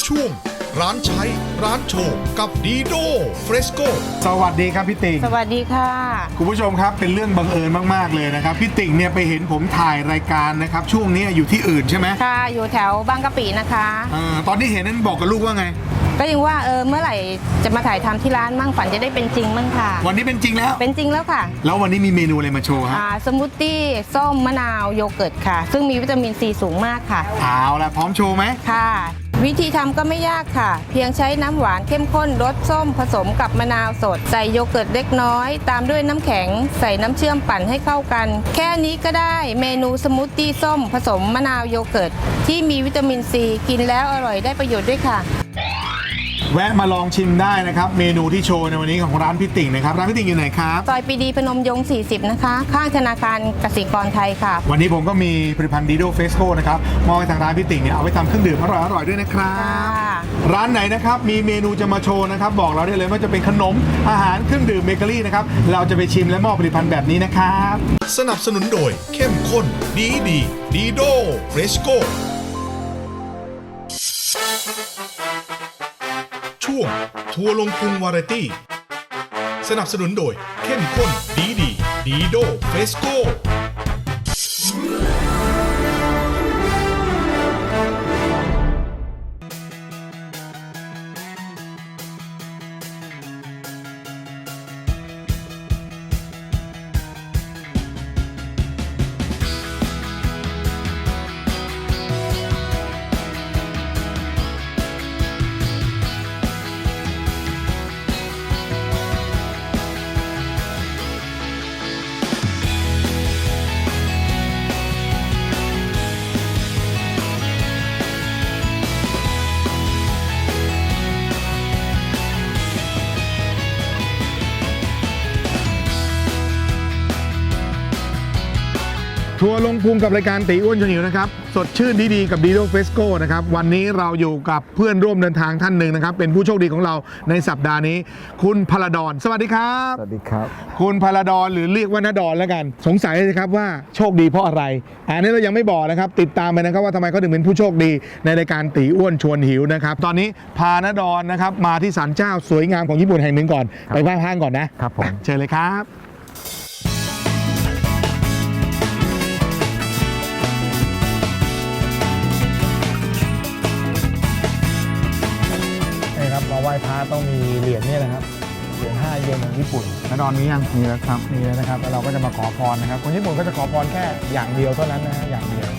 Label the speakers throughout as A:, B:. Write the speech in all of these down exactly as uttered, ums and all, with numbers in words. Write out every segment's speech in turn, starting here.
A: ช่วงร้านใช้ร้านโชว์กับดีโดเฟรสโก
B: สวัสดีครับพี่ติ่ง
C: สวัสดีค่ะ
B: คุณผู้ชมครับเป็นเรื่องบังเอิญมากๆเลยนะครับพี่ติ่งเนี่ยไปเห็นผมถ่ายรายการนะครับช่วงนี้อยู่ที่อื่นใช่ไหม
C: ค่ะอยู่แถวบางกะปินะคะ
B: อ่าตอนที่เห็นนั้นบอกกับลูกว่าไง
C: ก็ยังว่าเออเมื่อไหร่จะมาถ่ายทำที่ร้านมั่งฝันจะได้เป็นจริงมั่งค่ะ
B: วันนี้เป็นจริงแล้ว
C: เป็นจริงแล้วค่ะ
B: แล้ววันนี้มีเมนูอะไรมาโชว์ฮะ
C: อ่าสมูทตี้ส้มมะนาวโยเกิร์ตค่ะซึ่งมีวิตามินซีสูงมากค่ะ
B: เอาละพร้อมโชว์ไหม
C: ค่ะวิธีทำก็ไม่ยากค่ะเพียงใช้น้ำหวานเข้มข้นรสส้มผสมกับมะนาวสดใส่โยเกิร์ตเล็กน้อยตามด้วยน้ำแข็งใส่น้ำเชื่อมปั่นให้เข้ากันแค่นี้ก็ได้เมนูสมูทตี้ส้มผสมมะนาวโยเกิร์ตที่มีวิตามินซีกินแล้วอร่อยได้ประโยชน์ด้วยค่ะ
B: แวะมาลองชิมได้นะครับเมนูที่โชว์ในวันนี้ของร้านพี่ติ่งนะครับร้านพี่ติ่งอยู่ไหนครับ
C: ซอยปรีดีพนมยงค์สี่สิบนะคะข้างธนาคารกสิกรไทยค่ะ
B: วันนี้ผมก็มีผลิตภัณฑ์ดีโดเฟสโกนะครับมอบให้ทางร้านพี่ติ่งเนี่ยเอาไปทำเครื่องดื่มอร่อยๆด้วยนะครับร้านไหนนะครับมีเมนูจะมาโชว์นะครับบอกเราได้เลยว่าจะเป็นขนมอาหารเครื่องดื่มเบเกอรี่นะครับเราจะไปชิมและมอบผลิตภัณฑ์แบบนี้นะครับ
A: สนับสนุนโดยเข้มข้นดีดีดีโดเฟรสโกช่วงทัวร์ลงพุงวาไรตี้สนับสนุนโดยเข้มข้นดีดีดีโดเฟสโก
B: ทัวร์ลงพุงกับรายการตีอ้วนชวนหิวนะครับสดชื่นดีๆกับดีโดเฟสโกนะครับวันนี้เราอยู่กับเพื่อนร่วมเดินทางท่านหนึ่งนะครับเป็นผู้โชคดีของเราในสัปดาห์นี้คุณพลดรสวัสดีครับ
D: สวัสดีครับ
B: คุณพลดรหรือเรียกว่านดรแล้วกันสงสัยเลยครับว่าโชคดีเพราะอะไรอันนี้เรายังไม่บอกนะครับติดตามไปนะครับว่าทำไมเขาถึงเป็นผู้โชคดีในรายการตีอ้วนชวนหิวนะครับตอนนี้พานดรนะครับมาที่ศาลเจ้าสวยงามของญี่ปุ่นแห่งหนึ่งก่อนไปไหว้พระก่อนนะครับ
D: ผม
B: เชิญเลยครับมาไหว้พระต้องมีเหรียญนี่นะครับเหรียญห้าเยนของญี่ปุ่นแล้วตอนนี้ยังมีแล้วครับมีแล้วนะครับแล้วเราก็จะมาขอพรนะครับคนญี่ปุ่นก็จะขอพรแค่อย่างเดียวเท่านั้นนะฮะอย่างเดียว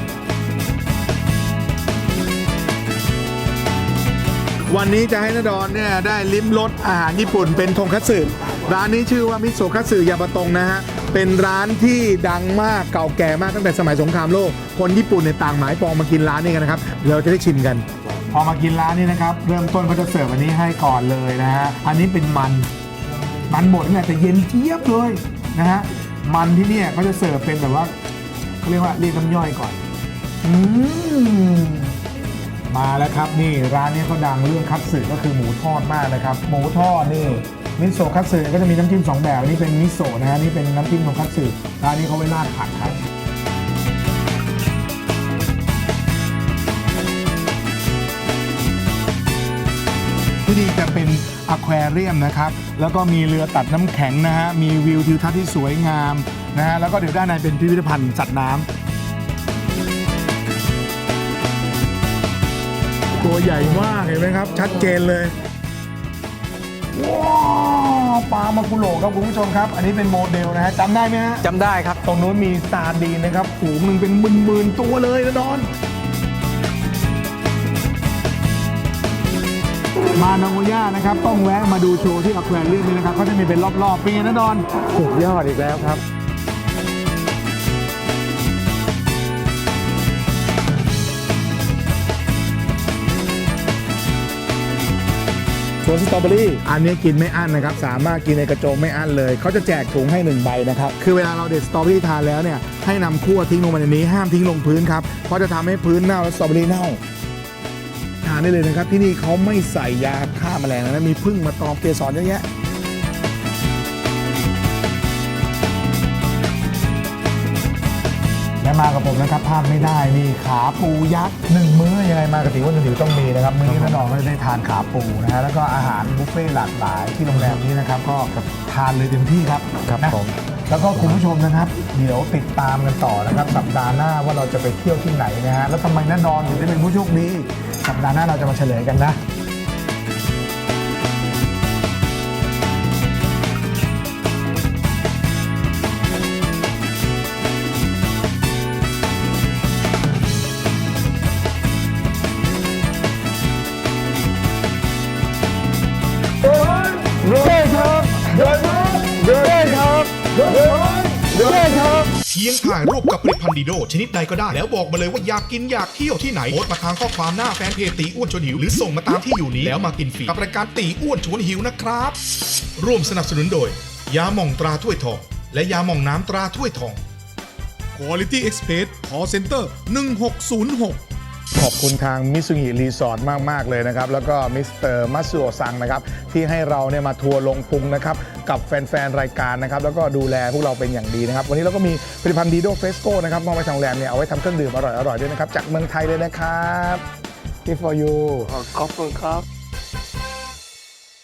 B: วันนี้จะให้นดรเนี่ยได้ลิ้มรสอาหารญี่ปุ่นเป็นทงคัตสึร้านนี้ชื่อว่ามิโซะคัตสึยาบะตงนะฮะเป็นร้านที่ดังมากเก่าแก่มากตั้งแต่สมัยสงครามโลกคนญี่ปุ่นในต่างหมายปองมากินร้านนี้กันนะครับเราจะได้ชิมกันพอมากินร้านนี้นะครับเริ่มต้นเขาจะเสิร์ฟอันนี้ให้ก่อนเลยนะฮะอันนี้เป็นมันมันบดเนี่ยแต่เย็นเจี๊ยบเลยนะฮะมันที่เนี่ยเขาจะเสิร์ฟเป็นแบบว่าเขาเรียกว่าเรียกน้ำย่อยก่อนอืมมาแล้วครับนี่ร้านนี้เขาดังเรื่องคัตสึก็คือหมูทอดมากนะครับหมูทอดนี่มิโซะคัตสึก็จะมีน้ำจิ้มสองแบบนี่เป็นมิโซะนะฮะนี่เป็นน้ำจิ้มของคัตสึร้านนี้เขาไว้ราดผักครับที่นี่จะเป็นอควาเรียมนะครับแล้วก็มีเรือตัดน้ำแข็งนะฮะมีวิวทิวทัศน์ที่สวยงามนะฮะแล้วก็เดี๋ยวด้านในเป็นพิพิธภัณฑ์สัตว์น้ำตัวใหญ่มากเห็นไหมครับชัดเจนเลยว้าวปลามากุโระครับคุณผู้ชมครับอันนี้เป็นโมเดลนะฮะจำได้ไหมฮะ
D: จำได้ครับ
B: ตรงนู้นมีซาร์ดีนนะครับฝูงหนึ่งเป็นหมื่นๆตัวเลยนะดอนมานาโกย่านะครับต้องแวะมาดูโชว์ที่อควาเรียมนี่นะครับเขาจะมีเป็นรอบๆเป็นไงนะดอน
D: สุดยอดอีกแล้วครับ
B: สวนสตรอเบอรี่อันนี้กินไม่อั้นนะครับสามารถกินในกระโจมไม่อั้นเลยเขาจะแจกถุงให้หนึ่งใบนะครับคือเวลาเราเด็ดสตรอเบอรี่ทานแล้วเนี่ยให้นำคั่วทิ้งลงมาในนี้ห้ามทิ้งลงพื้นครับเพราะจะทำให้พื้นเน่าและสตรอเบอรี่เน่าทานได้เลยนะครับที่นี่เขาไม่ใส่ยาฆ่าแมลงนะมีผึ้งมาตอมเกสรเยอะแยะและและมากับผมนะครับพลาดไม่ได้นี่ขาปูยักษ์หนึ่งมื้อยังไงมากับติ๋ววันติ๋วต้องมีนะครับมื้อนี้แน่นอนว่าจะได้ทานขาปูนะฮะแล้วก็อาหารบุฟเฟ่ต์หลากหลายที่โรงแรมนี้นะครับก็ทานเลยเต็มที่ครับครับผมแล้วก็คุณผู้ชมนะครับเดี๋ยวติดตามกันต่อนะครับสัปดาห์หน้าว่าเราจะไปเที่ยวที่ไหนนะฮะแล้วทำไมแน่นอนถึงได้เป็นผู้โชคดีสัปดาห์หน้าเราจะมาเฉลยกันนะเย้ครับเย้ครับเย้ครับเย้ครับเย้ครับ
A: เพียงถ่ายรูปกับผลิตภัณฑ์ดีโดชนิดใดก็ได้แล้วบอกมาเลยว่าอยากกินอยากเที่ยวที่ไหนโพสต์มาทางข้อความหน้าแฟนเพจตีอ้วนชวนหิวหรือส่งมาตามที่อยู่นี้แล้วมากินฟรีกับรายการตีอ้วนชวนหิวนะครับร่วมสนับสนุนโดยยาหม่องตราถ้วยทองและยาหม่องน้ำตราถ้วยทอง Quality Express Call Center หนึ่งหกศูนย์หก
B: ขอบคุณทางมิซุงิรีสอร์ทมากๆเลยนะครับแล้วก็มิสเตอร์มัตสึโอะซังนะครับที่ให้เราเนี่ยมาทัวร์ลงพุงนะครับกับแฟนๆรายการนะครับแล้วก็ดูแลพวกเราเป็นอย่างดีนะครับวันนี้เราก็มีผลิตภัณฑ์ดีโดเฟสโก้นะครับมอบไว้ทางโรงแรมเนี่ยเอาไว้ทำเครื่องดื่มอร่อยๆด้วยนะครับจากเมืองไทยเลยนะครับ Gift for you
D: ขอบคุณครับ